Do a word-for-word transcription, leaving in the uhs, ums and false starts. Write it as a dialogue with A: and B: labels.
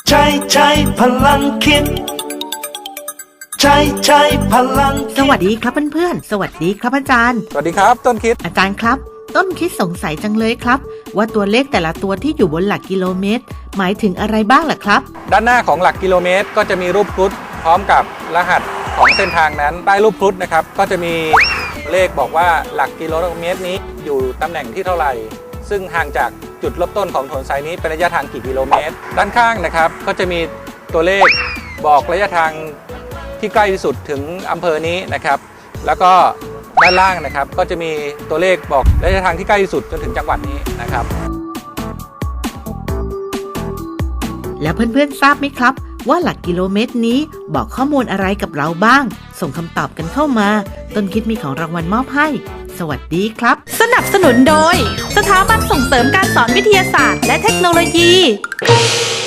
A: ใช้ใช้พลังคิดใช้ใช้พลัง
B: สวัสดีครับเพื่อนๆสวัสดีครับอาจารย์
C: สวัสดีครับต้นคิด
B: อาจารย์ครับต้นคิดสงสัยจังเลยครับว่าตัวเลขแต่ละตัวที่อยู่บนหลักกิโลเมตรหมายถึงอะไรบ้างล่ะครับ
C: ด้านหน้าของหลักกิโลเมตรก็จะมีรูปครุฑพร้อมกับรหัสของเส้นทางนั้นใต้รูปครุฑนะครับก็จะมีเลขบอกว่าหลักกิโลเมตรนี้อยู่ตำแหน่งที่เท่าไหร่ซึ่งห่างจากจุดเริ่มต้นของถนนสายนี้เป็นระยะทางกี่กิโลเมตรด้านข้างนะครับก็จะมีตัวเลขบอกระยะทางที่ใกล้ที่สุดถึงอำเภอนี้นะครับแล้วก็ด้านล่างนะครับก็จะมีตัวเลขบอกระยะทางที่ใกล้ที่สุดจนถึงจังหวัดนี้นะครับ
B: แล้วเพื่อนๆทราบไหมครับว่าหลักกิโลเมตรนี้บอกข้อมูลอะไรกับเราบ้างส่งคำตอบกันเข้ามาต้นคิดมีของรางวัลมอบให้สวัสดีครับ
D: สนับสนุนโดยสถาบันส่งเสริมการสอนวิทยาศาสตร์และเทคโนโลยี